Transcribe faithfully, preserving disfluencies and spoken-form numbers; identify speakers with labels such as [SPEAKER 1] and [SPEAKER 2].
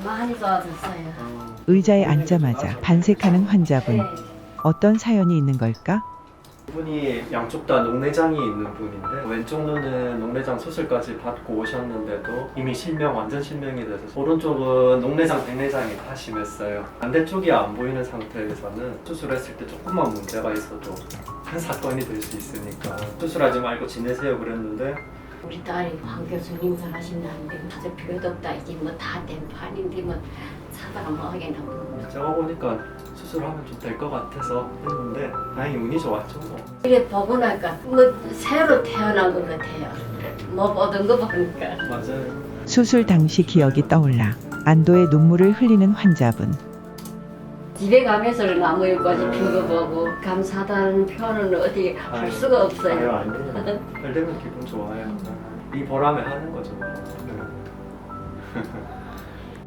[SPEAKER 1] 많이 좋아졌어요.
[SPEAKER 2] 의자에 앉자마자 반색하는 환자분.
[SPEAKER 1] 네.
[SPEAKER 2] 어떤 사연이 있는 걸까?
[SPEAKER 3] 분이 양쪽 다 녹내장이 있는 분인데 왼쪽 눈은 녹내장 수술까지 받고 오셨는데도 이미 실명, 완전 실명이 돼서 오른쪽은 녹내장, 백내장이 다 심했어요. 반대쪽이 안 보이는 상태에서는 수술했을 때 조금만 문제가 있어도 큰 사건이 될 수 있으니까 수술하지 말고 지내세요 그랬는데
[SPEAKER 1] 우리 딸이 황 교수님 잘하신다는데 맞을 필요도 없다. 이게 뭐 다 된 판인데 뭐 사다가 뭐 하겠나 뭐.
[SPEAKER 3] 제가 보니까 수술하면 좀 될 것 같아서 했는데 다행히 운이 좋았죠 뭐.
[SPEAKER 1] 이래 보고 나니까 뭐 새로 태어난 것 같아요. 뭐 보던 거 보니까.
[SPEAKER 3] 맞아요.
[SPEAKER 2] 수술 당시 기억이 떠올라 안도의 눈물을 흘리는 환자분.
[SPEAKER 1] 집에 가면서 나무잎까지 핀 거 보고 감사하다는 표현은 어디 할 수가
[SPEAKER 3] 아유,
[SPEAKER 1] 없어요.
[SPEAKER 3] 아니에요. 잘 되면 기분 좋아요. 이 보람에 하는 거죠. 네.